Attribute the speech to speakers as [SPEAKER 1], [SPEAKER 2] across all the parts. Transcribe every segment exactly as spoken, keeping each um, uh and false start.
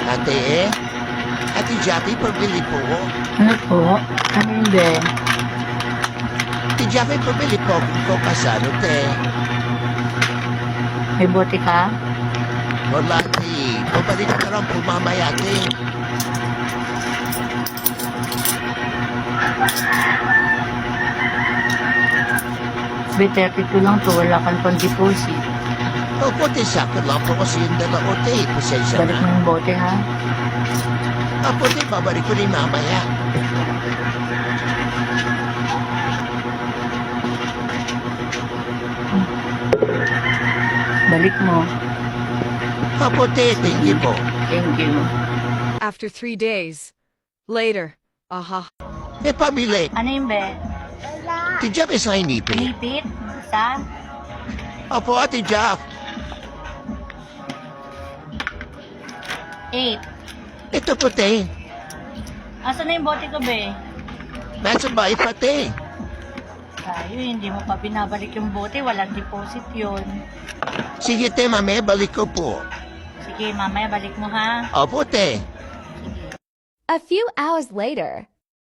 [SPEAKER 1] Ate, Ate Jappy, pabili po.
[SPEAKER 2] Ano po? Ano yun, be?
[SPEAKER 1] Ate Jappy, pabili po ko kasano, te.
[SPEAKER 2] May bote ka?
[SPEAKER 1] Wala, te. Pabalik ka lang po mamaya, te.
[SPEAKER 2] Be, thirty-two lang to. Wala kang pang deposit.
[SPEAKER 1] Opo, te, sakit lang po kasi yung dalawa, te. Pasensya
[SPEAKER 2] Balik mo
[SPEAKER 1] na.
[SPEAKER 2] yung bote, ha?
[SPEAKER 1] Opo, te, babalik ko rin mamaya.
[SPEAKER 2] Balik mo.
[SPEAKER 1] Opo, te, thank you po.
[SPEAKER 2] Thank you.
[SPEAKER 3] After three days. Later. Aha.
[SPEAKER 1] Eh, pabili.
[SPEAKER 2] Ano yun, be?
[SPEAKER 1] Ate Jappy, sa inipin.
[SPEAKER 2] Pinipit? Isa?
[SPEAKER 1] Opo, Ate Jaff.
[SPEAKER 2] Eight.
[SPEAKER 1] Ito po, te.
[SPEAKER 2] Asan na yung bote ko, be?
[SPEAKER 1] Nasa bahay pa, te.
[SPEAKER 2] Tayo, hindi mo pa binabalik yung bote. Walang deposit yun.
[SPEAKER 1] Sige, te, mame, balik ko po.
[SPEAKER 2] Sige, mamaya balik mo, ha?
[SPEAKER 1] Opo, te.
[SPEAKER 4] A few hours later.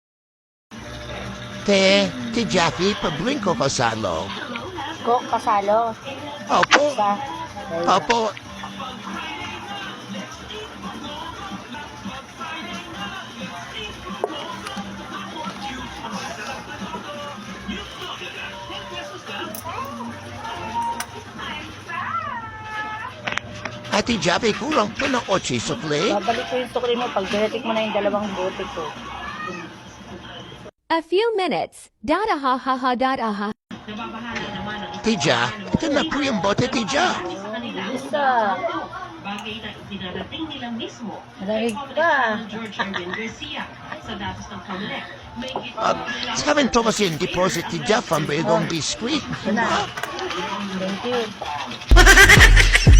[SPEAKER 1] Te, Ate Jaffy, pabling ko kasalo.
[SPEAKER 2] Ko, kasalo.
[SPEAKER 1] Opo,
[SPEAKER 2] Isa.
[SPEAKER 1] opo. Ate Jaffy, kulang po ng otsi sukli.
[SPEAKER 2] Babalik ko yung sukli mo pag binatik mo na yung dalawang bote ko.
[SPEAKER 4] A few minutes. Dada ha ha ha dada ha.
[SPEAKER 1] Tija, ito na po yung bote, Tija.
[SPEAKER 2] Isa.
[SPEAKER 5] Bagay na itinarating nila mismo
[SPEAKER 2] Malamig pa.
[SPEAKER 5] George Erwin Garcia sa datos ng Comelec. May
[SPEAKER 1] Uh, sa amin to kasi yung deposit, Tija, pambigong biskuit.
[SPEAKER 2] Ito na. Thank you.